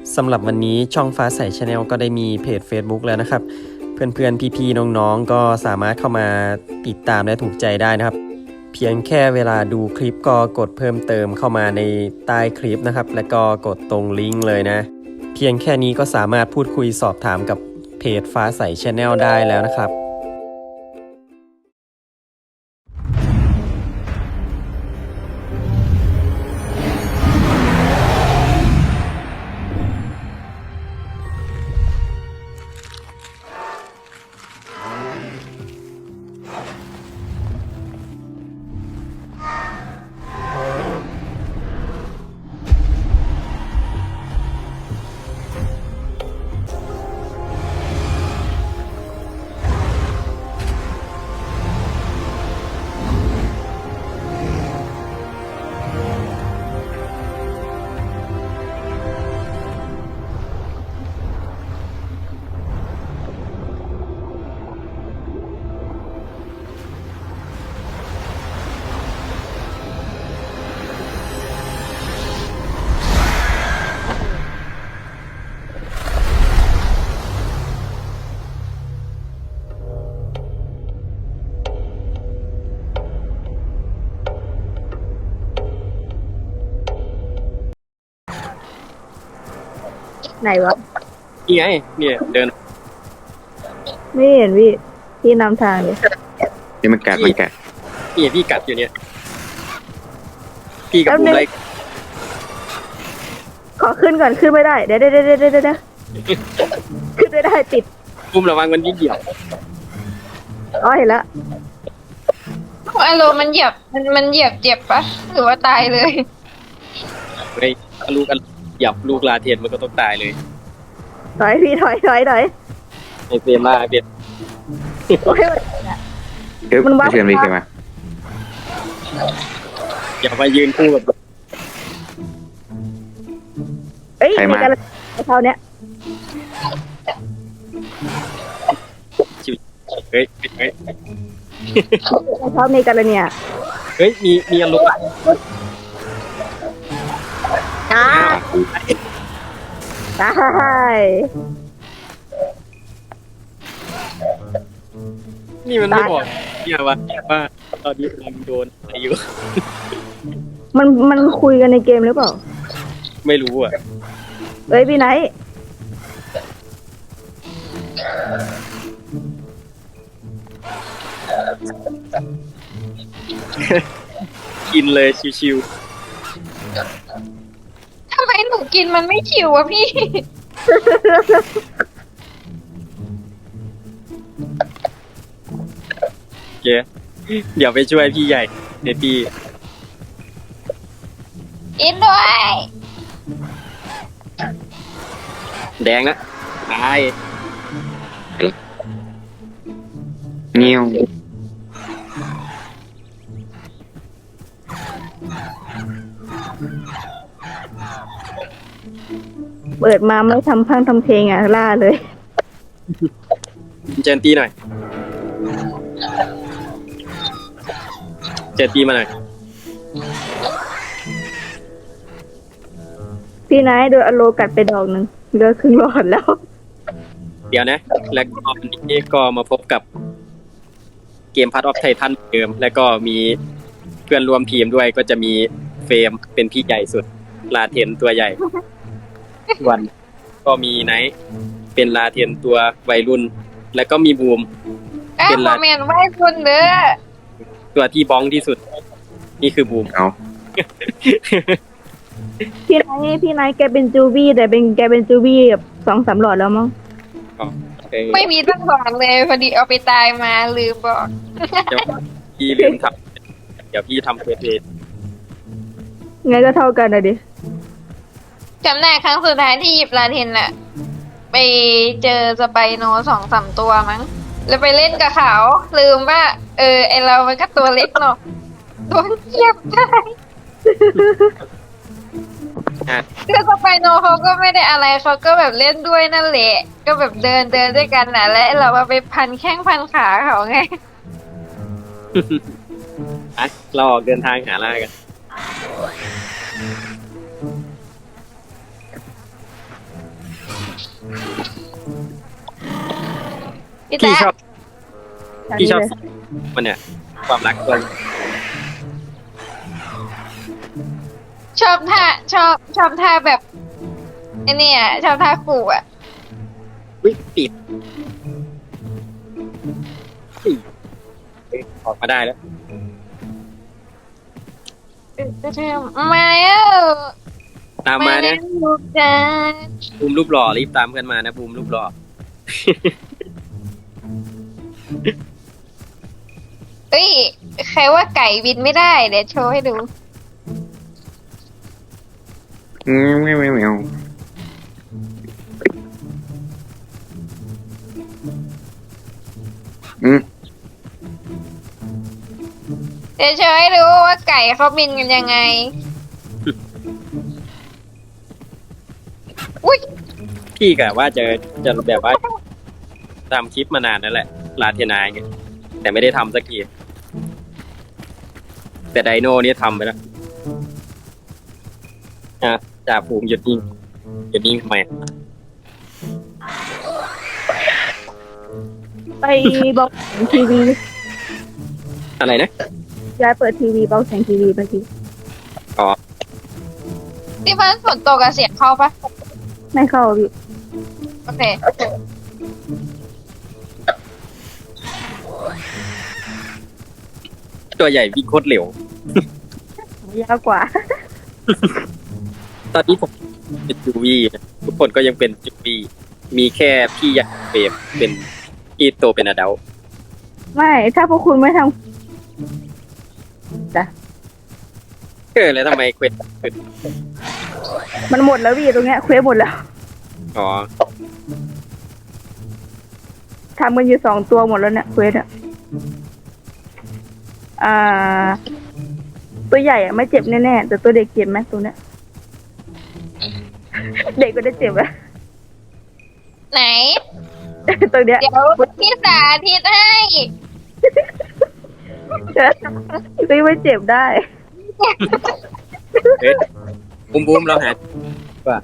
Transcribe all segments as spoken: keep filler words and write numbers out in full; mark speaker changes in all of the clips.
Speaker 1: สำหรับวันนี้ช่องฟ้าใส Channel ก็ได้มีเพจ Facebook แล้วนะครับ เพื่อนๆพี่ๆน้องๆก็สามารถเข้ามาติดตามและถูกใจได้นะครับ เพียงแค่เวลาดูคลิปก็กดเพิ่มเติมเข้ามาในใต้คลิปนะครับแล้วก็กดตรงลิงก์เลยนะเพียงแค่นี้ก็สามารถพูดคุยสอบถามกับเพจฟ้าใส Channel ได้แล้วนะครับ
Speaker 2: ไหนวะ
Speaker 3: นี่ไงเนี่ยเดิน
Speaker 2: ไม่เห็นพี่พี่นำทางดิ
Speaker 4: นี่มันกัดมันกัด
Speaker 3: นี่พี่กัดอยู่เนี่ยพี่กับบูมไร
Speaker 2: ขอขึ้นก่อนขึ้นไม่ได้เดี๋ยวเดี๋ยวเดี๋ยวเดี๋ยวเดี๋ยวขึ้นไม่ได้ติด
Speaker 3: บูมระวังมันยิ่งเดี่ยว
Speaker 2: อ๋อเห็นแล้ว
Speaker 5: อารมณ์มันเหยียบมันมันเหยียบเจ็บปะหรือว่าตายเลย
Speaker 3: เฮ้ยลูกเหยียบลูกลาเทนมันก็ต้องตายเลย
Speaker 2: ถอยพี่ถอยถอยถอย
Speaker 3: ไอเฟรมมาเบ็ด
Speaker 2: โอ้ย
Speaker 4: มันว่าเชิญไปใช่ไหม
Speaker 3: อย่ามายืนคู่กับ
Speaker 2: เอ้ยในการเท่านี้
Speaker 3: เฮ้ยเฮ้ย
Speaker 2: เท่าในการเนี่ย
Speaker 3: เฮ้ยมีมีอารมณ์
Speaker 2: ตายตาย
Speaker 3: นี่มันไม่บอกเนี่ยว่าว่าตอนนี้กำลังโดนอะไรอยู่
Speaker 2: มันมันคุยกันในเกมหรือเปล่า
Speaker 3: ไม่รู้อ่ะ
Speaker 2: เฮ้ยพี่ไหน
Speaker 3: กินเลยชิว
Speaker 5: ทำไมหนูกินมันไม่ชิวอะพี่
Speaker 3: เจ๊เดี๋ยวไปช่วยพี่ใหญ่เดตี้
Speaker 5: กินด้วย
Speaker 3: แดงนะตาย
Speaker 4: เงี้ยว
Speaker 2: เปิดมาไม่ทำพังทำเพลงอ่ะล่าเลย
Speaker 3: เจนตีหน่อยเจนตีมาหน่อย
Speaker 2: พี่นายโดนอโลกัดไปดอกหนึ่งเหลือครึ่งหลอดแล้ว
Speaker 3: เดี๋ยวนะแล้วก็วันนี้ก็มาพบกับเกมพาร์ทออฟไททันเดิมแล้วก็มีเพื่อนร่วมทีมด้วยก็จะมีเฟรมเป็นพี่ใหญ่สุดลาเทนตัวใหญ่วันก็มีไนท์เป็นลาเทนตัววัยรุ่นแล้วก็มีบูม
Speaker 5: เป็นลาเทนวัยรุ่นเด้อ
Speaker 3: ตัวที่บ้องที่สุดนี่คือบูม
Speaker 4: เอา
Speaker 2: พี่นายพี่นายแกเป็นจูบี้แต่เป็นแกเป็นจูบี้แบบสองสามหลอดแล้วมั้ง
Speaker 5: ไม่มีตั้งหลอดเลยพอดีเอาไปตายมาลืมบอก
Speaker 3: เดี๋ยวพี่ลืมทำเดี๋ยวพี่ทำเควสเอง
Speaker 2: ไงก็เท่ากันนะดิ
Speaker 5: จำได้ครั้งสุดท้ายที่หยิบลาเทนอะไปเจอสไปโนสองสามตัวมั้งแล้วไปเล่นกับเขาลืมว่าเออไอเรามันก็ตัวเล็กเนาะโดนเหยียบได้คือสไปโนเขาก็ไม่ได้อะไรเขาก็แบบเล่นด้วยนั่นแหละก็แบบเดินเดินด้วยกันน่ะและเราไปพันแข้งพันขาเขาไง
Speaker 3: อ่ะเราออกเดินทางหาล่ากัน
Speaker 5: พี่
Speaker 3: พี่
Speaker 5: แจ๊
Speaker 3: ชอบ
Speaker 2: แถว
Speaker 3: พี่
Speaker 2: นี้
Speaker 3: ชอบ
Speaker 2: เลย
Speaker 3: มันเนี่ยความรักตัว
Speaker 5: ชอบท่าชอบชอบท่าแบบไอ้เนี่ยชอบท่าขู่อ่ะ
Speaker 3: วิปิดเฮ้ยออกมาได้แล้ว
Speaker 5: มาแล้ว
Speaker 3: ตามมานะ
Speaker 5: ลูกจ้า
Speaker 3: บูมรูปหล่อรีบตามกันมานะบูมรูปหล่อ
Speaker 5: เอ้ยใครว่าไก่บินไม่ได้ เดี๋ยวโชว์ให้ดู
Speaker 4: แมวแมวแมวอืม
Speaker 5: เดี๋ยวโชว์ให้ดูว่าไก่เขาบินกันยังไง อุ้ย
Speaker 3: พี่กะว่าจะจะแบบว่าทำคลิปมานานนั่นแหละลาเทนายไงแต่ไม่ได้ทำสักทีแต่ไดโน่นี่ทำไปแล้วอ่ะจ่าฝูงหยุดนิ่งหยุดนิ่งทำไม
Speaker 2: ไปเบาเสียงทีวี
Speaker 3: อะไรนะ
Speaker 2: ย้ายเปิดทีวีเบาเสียงทีวีไปที
Speaker 3: อ๋อ
Speaker 5: ที่บ้านฝนตกกับเสียงเข้าปะ
Speaker 2: ไม่เข้าพี่
Speaker 5: โอเค
Speaker 3: ตัวใหญ่วิ่งโคตรเร็ว
Speaker 2: ยาวกว่า
Speaker 3: ตอนนี้ผมเป็นจูวี่นะทุกคนก็ยังเป็นจูวี่มีแค่พี่ยักษ์เฟรมเป็นพี่โตเป็นอดัลต์
Speaker 2: ไม่ถ้าพวกคุณไม่ท
Speaker 3: เออแล้วทำไมเควสขึ้น
Speaker 2: ำมันหมดแล้วพี่ตรงเนี้ยเควสหมดแล้ว
Speaker 3: อ๋อ
Speaker 2: ทำกันอยู่สองตัวหมดแล้วเนี่ยเควสอะอ่า ตัวใหญ่อะไม่เจ็บแน่ๆแต่ตัวเด็กเจ็บไหมตัวเนี้ย เด็กก็ได้เจ็บอะ
Speaker 5: ไหน
Speaker 2: ตัวเนี้ย
Speaker 5: เดี๋ยวพี่สาธิตให้
Speaker 2: ตัวนี้ไม่เจ็บได้
Speaker 3: เฮ้ยบูมบูมเราหาว่า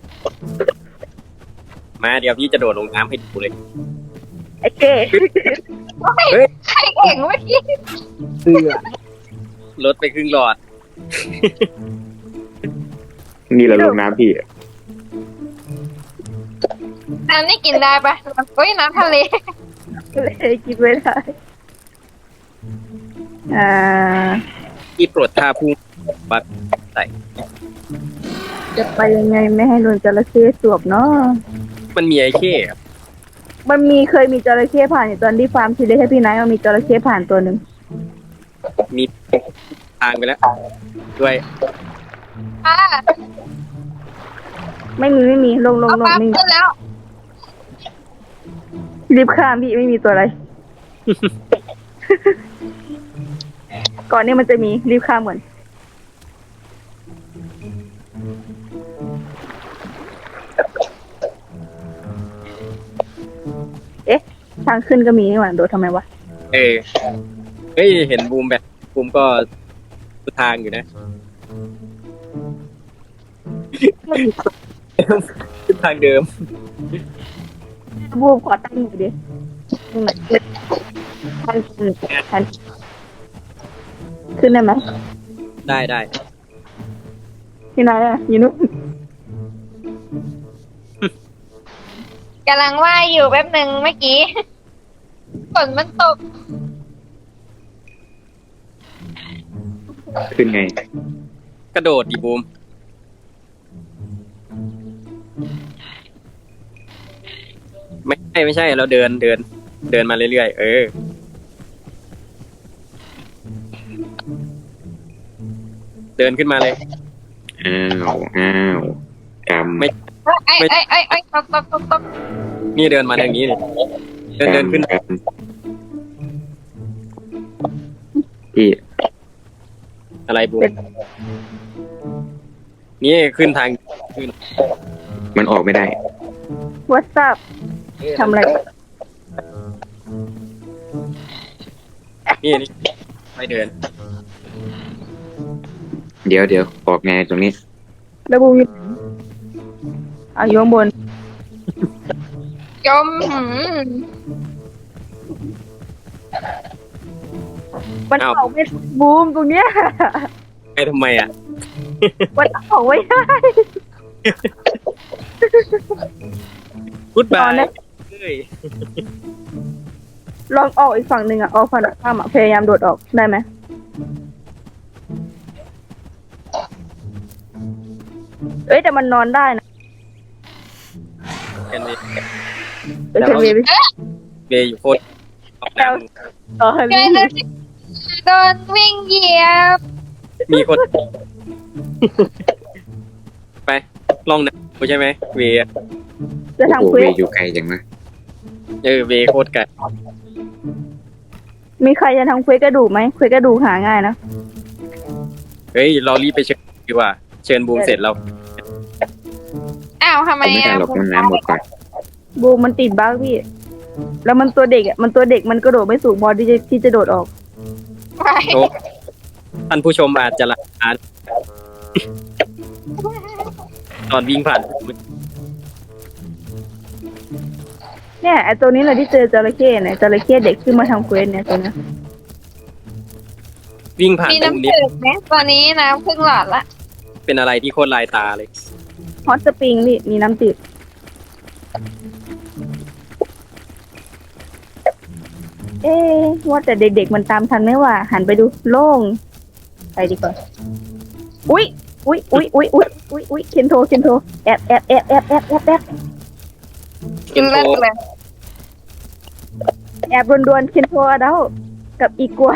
Speaker 3: มาเดี๋ยวพี่จะโดดลงน้ำให้ดูเลย
Speaker 2: ไอ้เก้
Speaker 3: เฮ้ย
Speaker 5: ใครเก่งเมื่อกี้
Speaker 3: เสื้อลดไปครึ่งหลอด
Speaker 4: นี่เราลงน้ำพี่
Speaker 5: น้ำนี่กินได้ปะเฮ้ยน้ำทะเล
Speaker 2: เลยกินไม่ได้อ่า
Speaker 3: ที่โปรดท่าพุ่งปัดใส่
Speaker 2: จะไปยังไงไม่ให้โดนจระเข้สวบเนาะ
Speaker 3: มันมีไอ้เข้ครับ
Speaker 2: มันมีเคยมีจระเข้ผ่านอยู่ตอนที่ฟาร์มทีเล็กให้พี่ไนท์มันมีจระเข้ผ่านตัวหนึ่ง
Speaker 3: มีทางไปแล้ว ด้วย
Speaker 5: อ่า
Speaker 2: ไม่มีไม่มีลงลง
Speaker 5: เอา
Speaker 2: ลง
Speaker 5: ปั๊บ
Speaker 2: ไม่มี
Speaker 5: ขึ้นแล้ว
Speaker 2: รีบข้ามพี่ไม่มีตัวอะไร ก่อนนี้มันจะมีรีบข้ามเหมือน เอ๊ะ ทางขึ้นก็มีนี่หว่าโดดทำไมวะ
Speaker 3: เออเฮ้ยเห็นบูมแบบบูมก็สุดทางอยู่นะ ขึ้นทางเดิม
Speaker 2: บูมขอตั้งหน่อยดิตรงไหนทันทันขึ้นได้ไหม
Speaker 3: ได้ได้
Speaker 2: พี่นายอะอยู่นู้น
Speaker 5: กำลังว่ายอยู่แป๊บหนึ่งเมื่อกี้ ฝนมันตก
Speaker 4: ขึ้นไง
Speaker 3: กระโดดดิบูม ไม่ใช่ไม่ใช่เราเดินเดิน เดินมาเรื่อยๆเออ เดินขึ้นมาเลย
Speaker 4: อ้าวอ้าวกำ
Speaker 3: ไม่
Speaker 5: ไอ้ไอ้ไอ้ไอ้ตกตกตกตก
Speaker 3: นี่เดินมาทางนี้เลยเดินเดินขึ้น
Speaker 4: กำพี่
Speaker 3: อะไรบูมนี่ขึ้นทางขึ้น
Speaker 4: มันออกไม่ได้
Speaker 2: วัดซับทำอะไร
Speaker 3: นี่นี่ไม่เดิน
Speaker 4: เดี๋ยวเดี๋ยวออกไงตรงนี้
Speaker 2: แล้วบูมอยู่เอาอยู่ข้างบน
Speaker 5: จมหืม
Speaker 2: มัน
Speaker 3: อ้าว
Speaker 2: ออกไม่บูมตรงเนี้ย
Speaker 3: ไอ้ทำไมอ่ะ
Speaker 2: มันออกไม่ได้
Speaker 3: พูดบาน
Speaker 2: อน
Speaker 3: ย
Speaker 2: นะ
Speaker 3: เฮ้ย
Speaker 2: ลองออกอีกฝั่งหนึ่งอ่ะออกฝั่งข้ามอ่ะพยายามโดดออกได้ไหมเอ้ยแต่มันนอนได้นะ
Speaker 3: กันเลย
Speaker 2: เดี๋ยวเชนเวย์ไป
Speaker 3: เบย์อยู่โคตรออกน้
Speaker 2: ต่อให้
Speaker 5: เจอโดนโดนวิ่งเหยียบ
Speaker 3: ำมีคน ไปลองนะใช่ไหมเวย์อะ
Speaker 2: จะ
Speaker 4: โอ้
Speaker 2: ทำ
Speaker 4: โห
Speaker 2: เคว
Speaker 4: เว
Speaker 2: ส
Speaker 4: ย์อยู่ไกลจังนะ
Speaker 3: เออเวย์โคตรไกล
Speaker 2: มีใครจะทำเควสกระดูกไหมเควสกระดูกหาง่ายนะ
Speaker 3: เฮ้ยเรารีบไปเชิญดีกว่า เชิญบูมเสร็จเรา
Speaker 5: อ้าวทำไม
Speaker 4: ผมไม่ได้
Speaker 5: อ่ะ
Speaker 4: หรอกมันน้ำหมดก่อน
Speaker 2: บูมมันติดบั๊กพี่ แล้วมันตัวเด็กอ่ะมันตัวเด็กมันกระโดดไม่สูงพอที่จะที่จะโดดออก
Speaker 5: ไป
Speaker 3: โอ้ท่านผู้ชมอาจจะหลับตาตอนวิ่งผ่าน
Speaker 2: เนี่ยไอตัวนี้แหละที่เจอจระเข้เนี่ยจระเข้เด็กขึ้นมาทำเควสเนี่ยตัวเนี้ย
Speaker 3: วิ่งผ่าน
Speaker 5: มี
Speaker 3: ตรง
Speaker 5: น้ำ
Speaker 3: นี้
Speaker 5: จืดไหมตอนนี้น้ำเพิ่งหลอดละ
Speaker 3: เป็นอะไรที่โคตรลายตาเลย
Speaker 2: ฮอตสปริงพี่มีน้ำจืดเอ๊ะว่าแต่เด็กๆมันตามทันไหมวะหันไปดูโล่งไปดีกว่าอุ้ยอุ้ยอุ้ยอุ้ยอุ้ยอุ้ยอุ้ยเคนโทเคนโทแอบแอบแอบแอบแอบแอบแอบ
Speaker 3: เคนโท
Speaker 5: เลิศเลย
Speaker 2: แอบดวนๆเคนโทอะเดากับอีกัว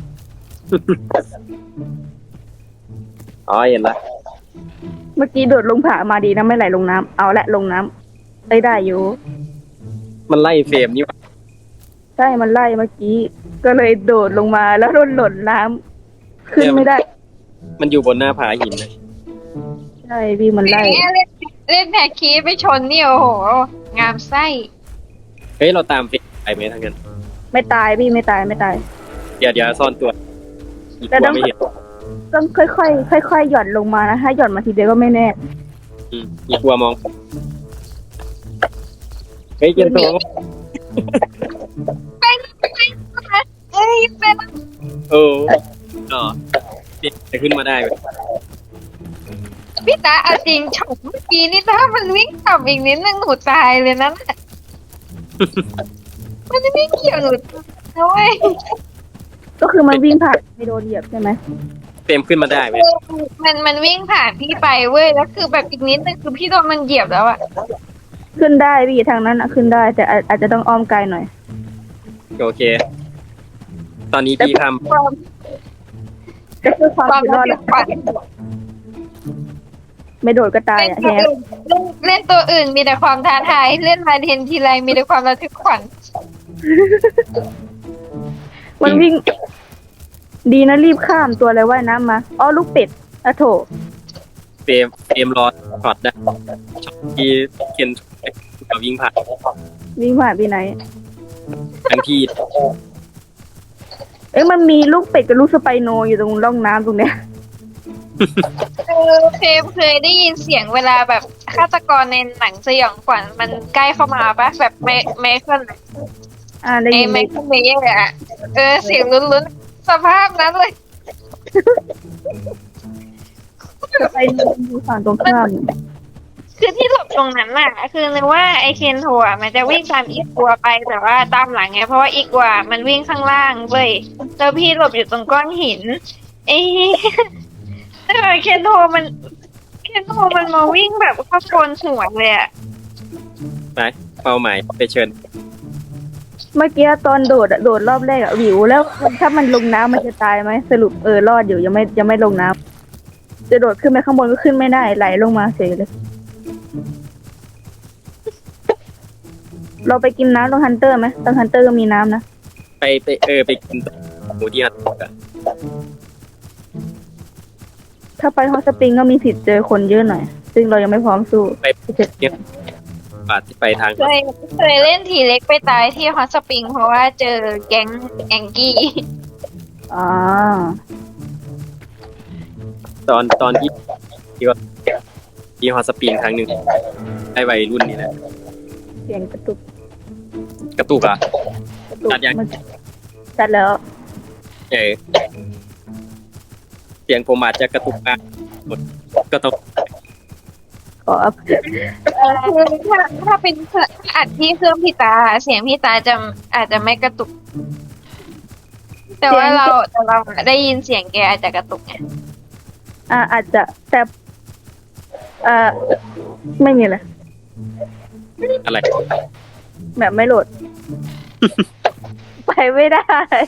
Speaker 3: อ๋อเห็นละ
Speaker 2: เมื่อกี้โดดลงผามาดีนะไม่ไหลลงน้ำเอาละลงน้ำได้ได้อยู่
Speaker 3: มันไล่เฟรมนี่หว่า
Speaker 2: ใช่มันไล่เมื่อกี้ ก็เลยโดดลงมาแล้วโดนหล่นน้ำขึ้นไม่ได้
Speaker 3: มันอยู่บนหน้าผาหินเลย
Speaker 2: ใช่พี่มันไล่
Speaker 5: เล่นเล่นแท็กคีไปชนนี่โอ้โห งามไส้
Speaker 3: เฮ้ยเราตามเฟรมไปไหมทั้งนั้น
Speaker 2: ไม่ตายพี่ไม่ตายไม่ตาย
Speaker 3: เดี๋ยวเดี๋ยวซ่อนตัวอีก
Speaker 2: แต่
Speaker 3: ตัว
Speaker 2: ต้อง
Speaker 3: ไม่เห็น
Speaker 2: ต้องค่อยๆค่อยๆหย่อนลงมานะถ้าหย่อนมาทีเดียวก็ไม่แน่
Speaker 3: อืมอีกตัวมองเฮ้ยเคนโท
Speaker 5: เป็นเป็นเอ้ยเป็น
Speaker 3: เออก็เด็กจะขึ้นมาได้ไหม
Speaker 5: พี่ตาเอาจริงฉกเมื่อกี้นี่ถ้ามันวิ่งต่ำอีกนิดนึงหนูตายเลยนะน่ะ มันไม่เกี่ยวหนูนะเว้ย
Speaker 2: ก็คือมันวิ่งผ่านไม่โดนเหยียบใช่ไหม
Speaker 3: เฟรมขึ้นมาได้ไหม
Speaker 5: มันมันวิ่งผ่านพี่ไปเว้ยแล้วคือแบบอีกนิดนึงคือพี่โดนมันเหยียบแล้วอะ
Speaker 2: ขึ้นได้พี่ทางนั้นอะขึ้นได้ แต่อาอาจจะต้องอ้อมไกลหน่อย
Speaker 3: โอเค ตอนนี้พี่ท
Speaker 5: ความ
Speaker 2: แต่คือความ
Speaker 5: ความ
Speaker 2: อยู่รอด
Speaker 5: ระทึ
Speaker 2: อะ
Speaker 5: กขวัญ
Speaker 2: ไม่โดดก็ตาย
Speaker 5: เล่น
Speaker 2: อะ
Speaker 5: ตัว
Speaker 2: แฮะ
Speaker 5: อื่นเล่นเล่นตัวอื่นมีแต่ความท้าทายเล่นมาเทนทีไรมีแต่ความระทึกขวัญ
Speaker 2: มันวิ่ง ดีนะรีบข้ามตัวอะไรว่ายน้ำมาอ๋อลูกเป็ดอะโถ
Speaker 3: ำเฟรมเฟรมรอช็อตได้ช็อตที่เคนกับวิ่งผ่าน
Speaker 2: วิ่งผ่านพี่ไหน
Speaker 3: ทั้งที่
Speaker 2: เอ้ยมันมีลูกเป็ดกับลูกสไปโนอยู่ตรงร่องน้ำตรงเนี้ย
Speaker 5: เออเคยเคยได้ยินเสียงเวลาแบบฆาตกรในหนังสยองขวัญมันใกล้เข้ามาปะแบบเมเมเคิล
Speaker 2: อ่าได้
Speaker 5: ไอ้
Speaker 2: ยิน
Speaker 5: เม
Speaker 2: ไหม
Speaker 5: เคิลเมเยอร์อะเออเสียงลุ้นๆสภาพนั้นเลย
Speaker 2: สไปโนอยู่ฝั่งตรงข้าม
Speaker 5: คือที่หลบตรงนั้นน่ะ คือนึกว่าไอเคนโทอ่ะมันจะวิ่งตามอีกัวไปแต่ว่าตามหลังไงเพราะว่าอีกัวมันวิ่งข้างล่างเว้ยแล้วพี่หลบอยู่ตรงก้อนหินไอ้แต่เคนโทมันเคนโทมันมาวิ่งแบบข้าโกนหัวเลยอ่ะ
Speaker 3: ไปเป้าหมายไปเชิญ
Speaker 2: เมื่อกี้ตอนโดดอะโดดรอบแรกอะวิวแล้วถ้ามันลงน้ำมันจะตายไหมสรุปเออรอดอยู่ยังไม่ยังไม่ลงน้ำจะโดดขึ้นไปข้างบนก็ขึ้นไม่ได้ไหลลงมาเฉยเลย เราไปกินน้ำตรงฮันเตอร์ไหมตรงฮันเตอร์ก็มีน้ำนะ
Speaker 3: ไปไปเออไปกินหมูที่ฮัตตกอะ
Speaker 2: ถ้าไปฮอตสปริงก็มีสิทธิ์เจอคนเยอะหน่อย ซึ่งเรายังไม่พร้อมสู้
Speaker 3: ไปเนี่ยปาดไปทาง
Speaker 5: เคยเคยเล่นทีเล็กไปตายที่ฮอตสปริงเพราะว่าเจอแก๊งแองกี้
Speaker 2: อ่า
Speaker 3: ตอนตอนที่ที่ว่าที่ฮอตสปริงครั้งหนึ่งได้วัยรุ่นนี่แหละ
Speaker 2: เสียงกระตุก
Speaker 3: กระตุกอะ
Speaker 2: กระตุก
Speaker 3: ตัดยัง
Speaker 2: มันตัดแล้ว
Speaker 3: เออเสียงผมอาจจะกระตุกบ้างหมดก็ต้อง
Speaker 2: ขออภัย
Speaker 5: เออถ้าถ้าเป็นอัดที่เครื่องพี่ตา เสียงพี่ตาจะอาจจะไม่กระตุก แต่ว่าเราแต่เราได้ยินเสียงแกอาจจะกระตุกไง
Speaker 2: อ่าอาจจะแต่อ่าไม่มีเลย
Speaker 3: อะไร
Speaker 2: แบบไม่โหลด ไปไม่ได้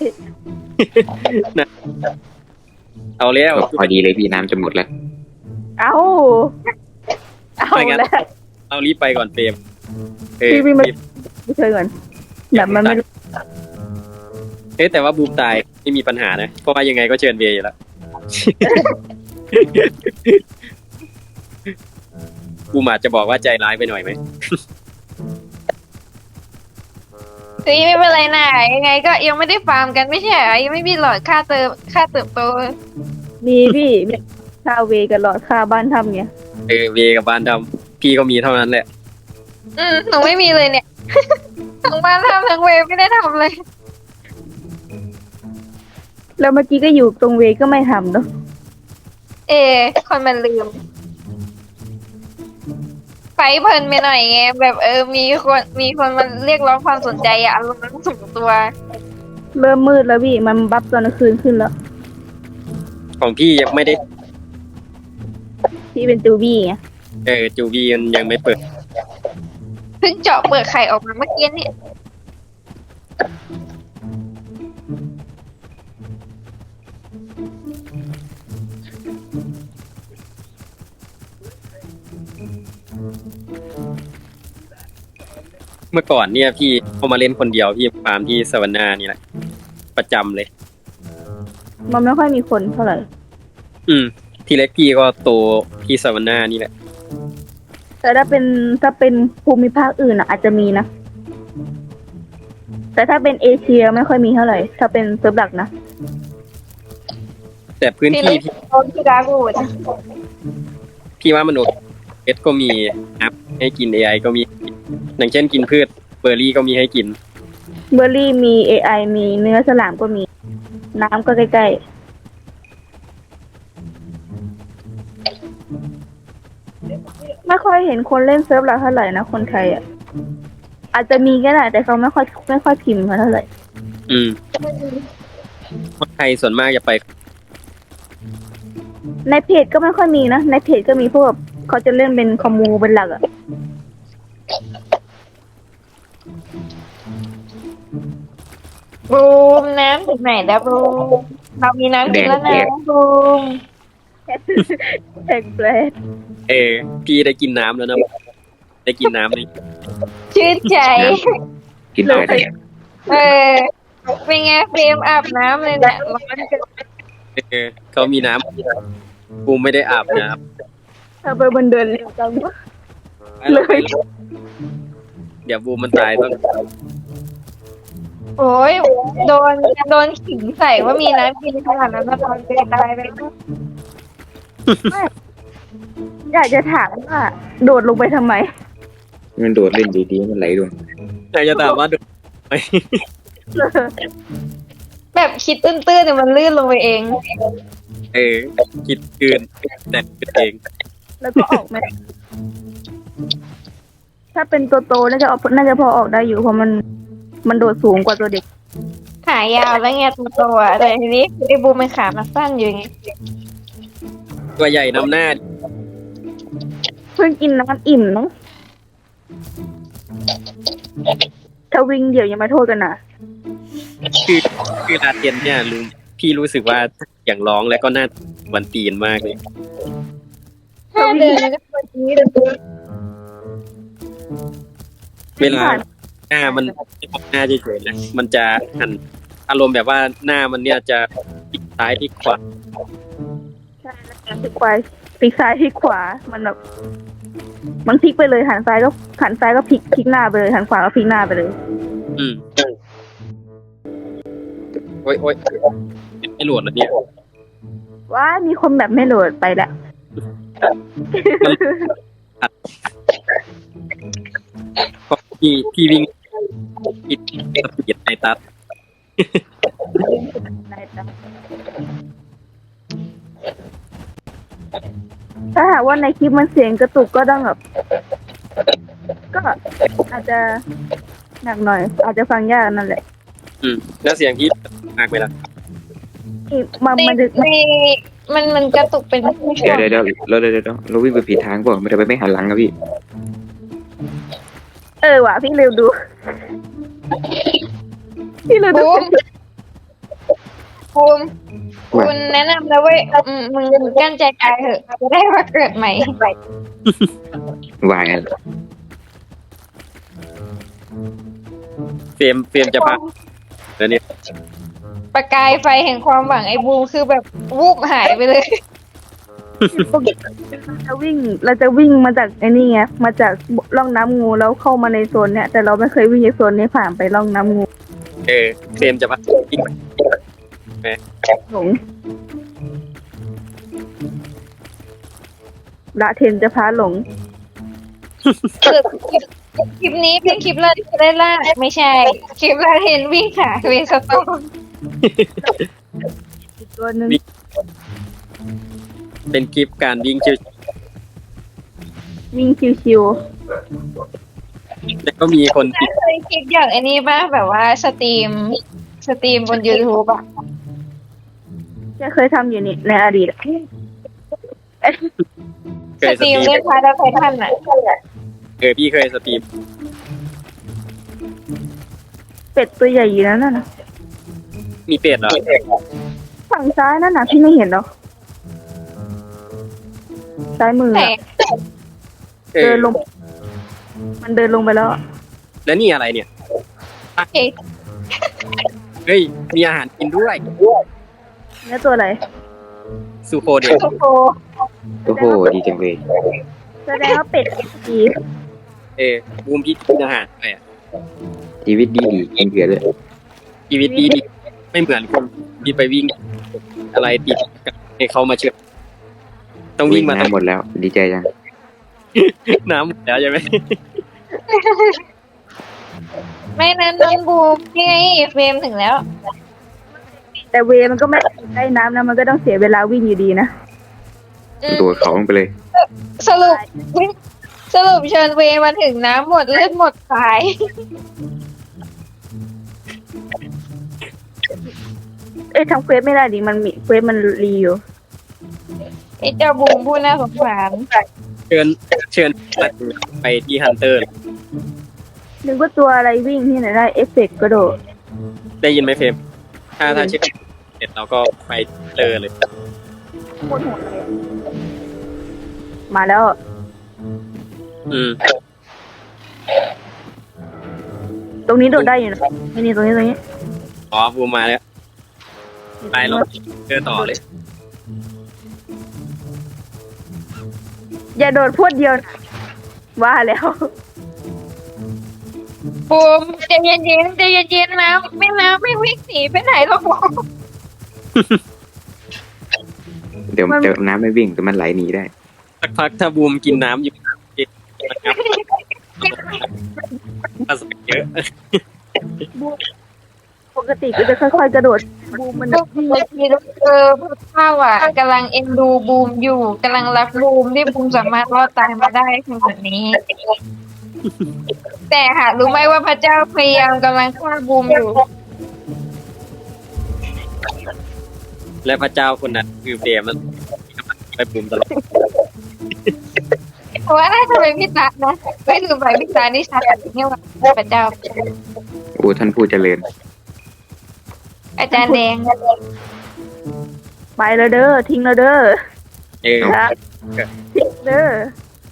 Speaker 3: เอาแล้ว
Speaker 4: ก็พอดีเลยพี่น้ำจะหมดแล้ว
Speaker 2: เอาเอา
Speaker 3: ไปงั้น
Speaker 2: แล้ว
Speaker 3: เอารีบไปก่อนเฟรมเออ
Speaker 2: พี่พี่มา ไม่เคยก่อนแบบมันไม่รู้
Speaker 3: เอ๊ะแต่ว่าบูมตายไม่มีปัญหานะเพราะว่ายังไงก็เชิญเบย์อยู่แล้ว บูมอาจจะบอกว่าใจร้ายไปหน่อยไหม
Speaker 5: เฮ้ยไม่เป็นไรนะยังไงก็ยังไม่ได้ฟาร์มกันไม่ใช่เหรอยังไม่มีหลอดค่าเติมค่าเติบโต
Speaker 2: มีพี่มีค่าเวกับหลอดค่าบ้านทำไง
Speaker 3: เออเบย์กับบ้านดำพี่ก็มีเท่านั้นแหละ
Speaker 5: อืมหนูไม่มีเลยเนี่ย ทั้งบ้านทำทั้งเวฟไม่ได้ทำเลย
Speaker 2: แล้วเมื่อกี้ก็อยู่ตรงเวก็ไม่ทำเนาะ
Speaker 5: เอคนมันลืม ไปเพลินไปหน่อยไงแบบเออมีคนมีคนมันเรียกร้องความสนใจอะอารมณ์มันสูงตัว
Speaker 2: เริ่มมืดแล้วพี่มันบัฟตอนกลางคืนขึ้นแล้ว
Speaker 3: ของพี่ยังไม่ได้
Speaker 2: พี่เป็นตูบี้ไง
Speaker 3: เออจูบีมันยังไม่เปิด
Speaker 5: เพิ่งเจาะเปลือกไข่ออกมาเมื่อกี้เนี่ย
Speaker 3: เมื่อก่อนเนี่ยพี่เข้ามาเล่นคนเดียวพี่ฟาร์มที่สวรรณานี่แหละประจำเลย
Speaker 2: มันไม่ค่อยมีคนเท่าไหร่
Speaker 3: อืม ทีเล็กพี่ก็โตที่สวรรณานี่แหละ
Speaker 2: แต่ถ้าเป็นถ้าเป็นภูมิภาคอื่นอ่ะอาจจะมีนะ แต่ถ้าเป็นเอเชียไม่ค่อยมีเท่าไหร่ ถ้าเป็นเซิร์ฟหลักนะ
Speaker 3: แต่พื้น
Speaker 5: ที่
Speaker 3: ที่
Speaker 5: เล็ก
Speaker 3: พี่
Speaker 5: โดนที่ดากูด
Speaker 3: พี่ว่ามันโอเคเอสก็มีแอปให้กิน เอ ไอ ก็มีอย่างเช่นกินพืชเบอร์รี่ก็มีให้กิน
Speaker 2: เบอร์รี่มี เอ ไอ มีเนื้อสลามก็มี น้ำก็ใกล้ๆ ไม่ค่อยเห็นคนเล่นเซิร์ฟหลักเท่าไหร่นะคนไทยอ่ะ อาจจะมีก็ได้แต่เขาไม่ค่อยไม่ค่อยพิมพ์มาเท่าไหร่
Speaker 3: อืมคนไทยส่วนมากจะไป
Speaker 2: ในเพจก็ไม่ค่อยมีนะ ในเพจก็มีพวกเขาจะเล่นเป็นคอมมูเป็นหลักอ่ะ
Speaker 5: บูมน้ำถึงไหนแล้วบูมเรามีน้ำกินแล้วนะบูม
Speaker 2: แท็กแปลก
Speaker 3: เออพี่ได้กินน้ำแล้วนะได้กินน้ำเลย
Speaker 5: ชื่นใจ
Speaker 4: กินไปได้
Speaker 5: เออเป็นไงเฟรมอาบน้ำเลยเนี่ยร้อนเกิน
Speaker 3: เออเขามีน้ำกูไม่ได้อาบน้
Speaker 2: ถ้าไปบนเดินเร็วจังวะ
Speaker 3: ำเลย เดี๋ยวบูมมันตายต้อง
Speaker 5: โอ้ยโดนโดนขิงใส่ว่ามีน้ำกินขนาดนั้นมาตอนเกิดตายไป
Speaker 2: อยากจะถามว่า โดดลงไปทำไม
Speaker 4: มันโดดเล่นดีๆมันไหลลง
Speaker 3: อยากจะถามว่าดูไหม
Speaker 5: แบบคิดตื้นๆเนี่ยมันลื่นลงไปเอง
Speaker 3: เออคิดเกินแต่คิดเอง
Speaker 2: แล้วก็ออกไหมถ้าเป็นตัวโตน่าจะออกน่าจะพอออกได้อยู่เพราะมันมันโดดสูงกว่าตัวเด็ก
Speaker 5: ขายาวแล้วไงตัวโตอ่ะแต่ทีนี้ไอ้บูมมันขามันสั้นอยู่ไง
Speaker 3: ตัวใหญ่นำหน้า
Speaker 2: เพิ่งกินน้ำอิ่มเนาะถ้าวิ่งเดี๋ยวยังมาโทษกันนะ
Speaker 3: คือคือลาเทนเนี่ยลุงพี่รู้สึกว่าอย่างร้องแล้วก็น่าหวันตีนมากเลย
Speaker 5: ห้าเดือนแล้วก็ตัวนี้เลย
Speaker 3: เวลาหน้ามันไม่มองหน้าเฉยๆนะมันจะหันอารมณ์แบบว่าหน้ามันเนี่ยจะพลิกซ้ายพลิกขวา
Speaker 2: ใช่แล้วพลิกขวาพลิกซ้ายพลิกขวามันแบบมันพลิกไปเลยหันซ้ายก็หันซ้ายก็พลิกพลิกหน้าไปเลยหันขวาก็พลิกหน้าไปเลย
Speaker 3: อืมโอ้ยโอ้ยไม่โหลดแล้วเนี่ย
Speaker 2: ว้ามีคนแบบไม่โหลดไปละ
Speaker 3: พอพี่พี่วิ่งอิดสปีดในตัด
Speaker 2: ได้จ้ะถ้าหากว่าในคลิปมันเสียงกระตุกก็ต้องแบบก็อาจจะหนักหน่อย อาจจะฟังยากนั่นแหละ
Speaker 3: อืมแล้วเสียงพี่มากไหมล่ะ
Speaker 2: นี่มัน
Speaker 5: ใน
Speaker 2: มันจะ
Speaker 5: ในมันมันกระตุกเป็นช่
Speaker 4: เดี๋ยว
Speaker 5: วง
Speaker 4: เดี๋ยวเดี๋ยวเราเดี๋ยวเดี๋ยวเราวิ่งไปผิดทางเปล่าไม่ได้ไปไม่หันหลังครับพี่
Speaker 2: เออว่ะพี่เร็วดู พี่เร็วดู
Speaker 5: บูมบูมคุณแนะนำแล้วเว้ยอืมมึงกั้นใจตายเถอะจะได้มาเกิดใหม่
Speaker 4: วายอะไร
Speaker 3: เฟรมเฟรมจะพักแล้วเนี่ย
Speaker 5: ประกายไฟแห่งความหวังไอ้บูมคือแบบวูบหายไปเลย
Speaker 2: ปกติเราจะวิ่ง เราจะวิ่งมาจากไอ้นี่ไงมาจากร่องน้ำงูแล้วเข้ามาในโซนเนี้ยแต่เราไม่เคยวิ่งในโซนนี้ผ่านไปร่องน้ำงู
Speaker 3: เออเฟรมจะพักวิ่ง
Speaker 2: หลงละเทนจะพาหลง
Speaker 5: คือคลิปนี้เป็นคลิปแรกที่ได้ล่าไม่ใช่ คลิปแรกเห็นวิ่งหาเวสโตน
Speaker 2: อีกตัวหนึ่ง
Speaker 3: เป็นคลิปการวิ่งชิว
Speaker 2: วิ่งชิว
Speaker 3: ๆแล้วก็มีคนติด
Speaker 5: เคยคลิปอย่างไอ้นี่ป่ะแบบว่าสตรีมสตรีมบน YouTube อ่ะ
Speaker 2: ๆจะเคยทำอยู่นี่ในอดีตอะ
Speaker 3: เค
Speaker 5: ส
Speaker 3: ยส
Speaker 5: ต
Speaker 3: ต
Speaker 5: รี
Speaker 3: รี
Speaker 5: ม
Speaker 3: ม
Speaker 5: เล่นพาราไททันอ่ะ
Speaker 3: เออพี่เคยสตรีม
Speaker 2: เป็ดตัวใหญ่อยู่นั่นน่ะ
Speaker 3: มีเป็ดเหรอ
Speaker 2: ฝั่งซ้ายนั่นน่ะพี่ไม่เห็นหรอกซ้ายมือ
Speaker 5: แต่
Speaker 2: อะ
Speaker 3: เอ
Speaker 2: เดิ
Speaker 3: อน
Speaker 2: ลง มันเดินลงไปแล้วอะ
Speaker 3: แล้วนี่อะไรเนี่ย
Speaker 5: เอ๊ะ
Speaker 3: เฮ้ยมีอาหารกินด้วย
Speaker 2: เนื้อตัวอะไร
Speaker 3: ซูโคเดน
Speaker 5: โอ้โห
Speaker 4: โอ้โหดีจังเลย
Speaker 2: แสดงว่าเป็ดดี
Speaker 3: เออบูมพี่กินอาหารไปอ่ะ
Speaker 4: ชีวิตดีดีกินเผื่อเลย
Speaker 3: ชีวิตดีดีไม่เหมือนคนที่ไปวิ่ง อะไรติดกับให้เขามาเชื่อต้องวิ่งมา
Speaker 4: น้ำหมดแล้ว ดีใจจัง
Speaker 3: น้ำหมดแล้วใช่ไหม
Speaker 5: ไม่นั้นน้องบูมนี่ไงเฟรมถึงแล้ว
Speaker 2: แต่เวมันก็ไม่ใกล้น้ำนะมันก็ต้องเสียเวลาวิ่งอยู่ดีนะ
Speaker 5: อืม
Speaker 4: โดดเขาลงไปเลย
Speaker 5: สรุปสรุปเชิญเวมาถึงน้ำหมดเลือดหมดตาย
Speaker 2: เอ้ยทำเควสไม่ได้ดิมันมีเควสมันรีอยู่
Speaker 5: ไอ้เจ้าบูมพูดน่าสงสาร
Speaker 3: เชิญเชิญไปที่ฮันเตอร์
Speaker 2: นึกว่าตัวอะไรวิ่งที่ไหนได้เอฟเฟกต์กระโดด
Speaker 3: ได้ยินไหมเฟรมถ้าถ้าเช็คเสร็จเราก็ไปเตอร์เลย
Speaker 2: โคตรโหดเลยมาแล้ว
Speaker 3: อืม
Speaker 2: ตรงนี้โดดได้อยู่นะนี่นี่ตรงนี้ตรงนี้
Speaker 3: อ๋อบูมมาแล้วไปเราเจอต่อเลย
Speaker 2: อย่าโดดพวดเดียวนะว่าแล้ว
Speaker 5: บูมใจเย็นๆใจเย็นๆนะไม่น้ำไม่วิ่งหนีไปไหนหรอกบูม
Speaker 4: เดี๋ยวเดี๋ยวน้ำไม่วิ่งแต่มันไหลหนีได้
Speaker 3: สักพักถ้าบูมกินน้ำอยู่นะครับภาษาเยอะ
Speaker 2: บูมปกติก็จะค่อยๆกระโดดบูมมัน
Speaker 5: เมื่อกี้เออพระเจ้าอ่ะกำลังเอ็นดูบูมอยู่กำลังรักบูมที่บูมสามารถรอดตายมาได้ขนาดนี้ แต่หารู้ไหมว่าพระเจ้าพยายามกำลังฆ่าบูมอยู่
Speaker 3: และพระเจ้าคนนั้นคือเฟรมมันไปบูมตลอด
Speaker 5: เพราะว่าน่าจะเป็นพี่ตานะไม่ถือไปพี่ตานี่ชาติเนี่ยว่าพระเจ้า
Speaker 4: โอ้ท่านผู้เจริญ
Speaker 5: อาจารย์แดง
Speaker 2: ไปแล้วเด้อทิ้งแล้วเด้อ
Speaker 3: เออ
Speaker 2: นะทิ้งเด้อ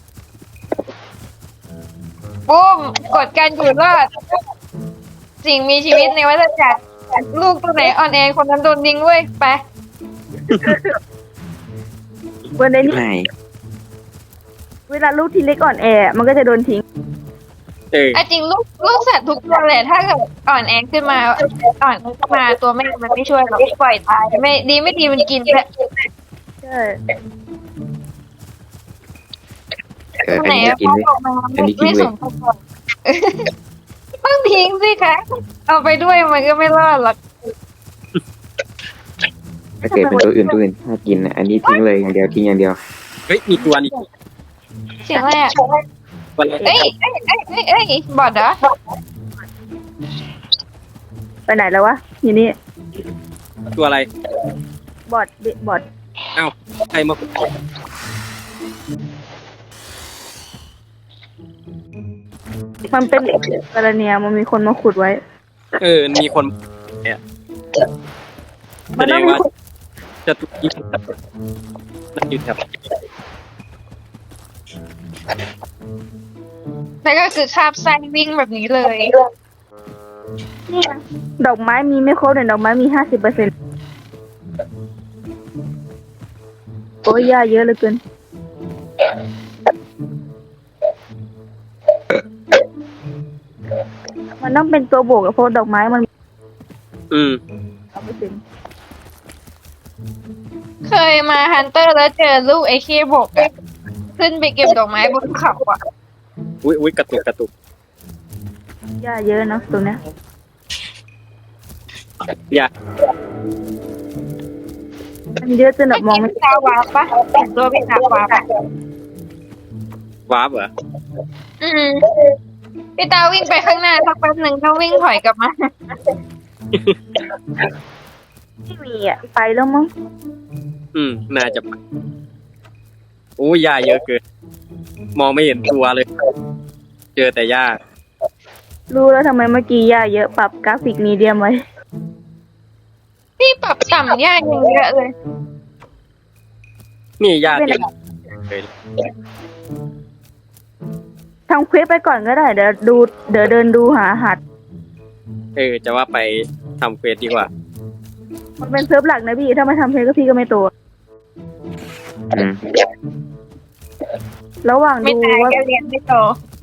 Speaker 5: บูมกดการอยู่รอด สิ่งมีชีวิตในวัฏจักรลูกตัวไหนอ่อนแอคนนั้นโดนยิงเว้ยไป
Speaker 2: วันนี้
Speaker 4: ไม่
Speaker 2: เวลาลูกที่เล็กอ่อนแอมันก็จะโดนทิ้ง
Speaker 3: เออ
Speaker 5: อะจริงลูกลูกสัตว์ทุกตัวเลยถ้าเกิดอ่อนแอขึ้นมาอ่อนขึ้นมาตัวแม่มันไม่ช่วยหรอกปล่อยตายไม่ดีไม่ดีมันกินแหละ
Speaker 2: ใช่
Speaker 4: เออ
Speaker 5: ตัว
Speaker 4: อัน
Speaker 5: ไหน
Speaker 4: นี้กิน
Speaker 5: พ่อ
Speaker 4: ไว้
Speaker 5: ออกมาไม่ไม่สมประกอบต้องทิ้งสิคะเอาไปด้วยมันก็ไม่รอดหรอก
Speaker 4: ถ้าเกิดเป็นตัวอื่นตัวอื่นถ้ากินอะอันนี้ทิ้งเลยอย่างเดียวทิ้งอย่างเดียว
Speaker 3: เฮ้ยมีตัวนี้
Speaker 5: เสียงแรก
Speaker 3: วันแรก
Speaker 5: เอ้ยเอ้ยเอ้ยเอ้ยเอ้ยบอดเหรอ
Speaker 2: ไปไหนแล้ววะอยู่นี่
Speaker 3: ตัวอะไร
Speaker 2: บอดบอด
Speaker 3: อ้าวใครมา
Speaker 2: มันเป็นกรเนียมันมีคนมาขุดไว้
Speaker 3: เออมีคนเนี่ยแส
Speaker 2: มัน
Speaker 3: ด
Speaker 2: ต้อง
Speaker 3: ง
Speaker 2: มี
Speaker 3: ว่า
Speaker 2: คน
Speaker 3: จะตุกยิงนั่นอยู่แถว
Speaker 5: แล้วก็คือคาบไส้วิ่งแบบนี้เลย
Speaker 2: นี่ไงดอกไม้มีไม่ครบเนี่ยดอกไม้มีห้าสิบเปอร์เซ็นต์โอ้ยยาเยอะเหลือเกิน มันต้องเป็นตัวบวกกับเพราะดอกไม้มัน
Speaker 3: อืม
Speaker 2: เอาไปถึง
Speaker 5: เคยมาฮันเตอร์แล้วเจอลูกไอเคบกขึ้นไปเก็บดอกไม้บนเขาอ่ะ
Speaker 3: อุ้ยอุ้ยกระตุกกระตุก
Speaker 2: ยาเยอะเนอะตรงเนี้ย
Speaker 3: อย่า
Speaker 2: มันเยอะจนแบบมองไม่
Speaker 5: ตาวาร์ปปะเห็นตัวพี่ตาวาร์ปอะ
Speaker 3: วาร์ปเหรอ
Speaker 5: อืมพี่ตาวิ่งไปข้างหน้าสักแป๊บหนึ่งก็วิ่งถอยกลับมา
Speaker 2: ไม่มีอ่ะไปแล้วมั้ง
Speaker 3: อืมน่าจะไปโอ้ยยาเยอะเกินมองไม่เห็นตัวเลย เจอแต่หญ้า
Speaker 2: รู้แล้วทำไมเมื่อกี้ยาเยอะปรับกราฟิกมีเดียมไว้
Speaker 5: พี่ปรับต่ำยากอย่างเยอะเลย
Speaker 3: นี่หญ้า
Speaker 2: ไม่
Speaker 3: เต็
Speaker 2: เป็น
Speaker 3: ม
Speaker 2: ไร
Speaker 3: เลย
Speaker 2: ทำเควสไปก่อนก็ได้เดี๋ยวดูเดี๋ยวเดินดูหาหัด
Speaker 3: เออจะว่าไปทำเควสดีกว่า
Speaker 2: มันเป็นเซิร์ฟหลักนะพี่ถ้าไม่ทำเควสก็พี่ก็ไม่โต
Speaker 4: อืม
Speaker 2: ระหว่าง
Speaker 5: ไม่
Speaker 2: ดู
Speaker 5: ตาย
Speaker 2: ว่า
Speaker 5: ก็เรียนไม่โต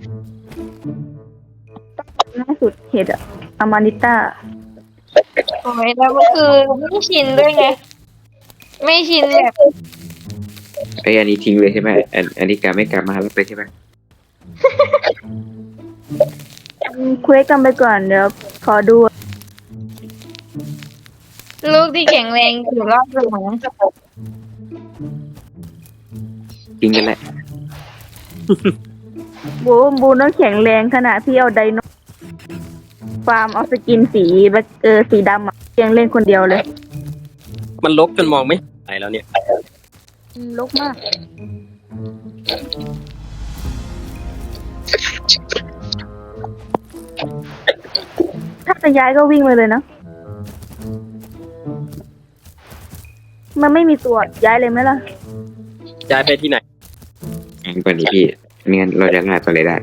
Speaker 2: ล่าสุดเหตุอะอามานิต้า
Speaker 5: โอ้ยแล้วก็คือไม่ชินด้วยไง ไม่ชินแบบ
Speaker 4: ไอยอันนี้ทิ้งเลยใช่ไหมอันอันนี้การไม่กลับมาแล้วเลยใช่ไหม
Speaker 2: เควสกันไปก่อนเดี๋ยวขอดู
Speaker 5: ลูกที่แข็งแรงอยู่รอบเสมอ
Speaker 4: ทิ้งกันแหละ
Speaker 2: บูมบูมต้องแข็งแรงขนาดพี่เอาไดโนฟาร์มเอาสกินสีแบบเออสีดำอะยังเล่นคนเดียวเลย
Speaker 3: มันลกจนมองไม่เห็นอะไรแล้วเนี่ย
Speaker 2: ลกมาก ถ้าจะย้ายก็วิ่งไปเลยนะ มันไม่มีตัวย้ายเลยไหมล่ะ
Speaker 3: ย้ายไปที่ไหน
Speaker 4: อันก่อนนี้พี่ไม่งั้นเราจะล่าตัวอะไรได้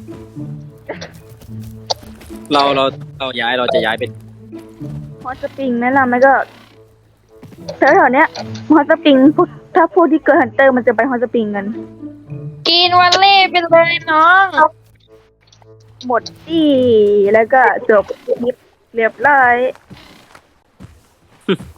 Speaker 3: เราเราเราย้ายเราจะย้ายไป
Speaker 2: ฮอตสปริงไหมล่ะมันก็แถวๆเนี้ยฮอตสปริงพวกถ้าพวกที่เกิดฮันเตอร์มันจะไปฮอตสปริงกัน
Speaker 5: กินวันเล่ไปเลยน้อง
Speaker 2: หมดที่แล้วก็จบคลิปเรียบร้อย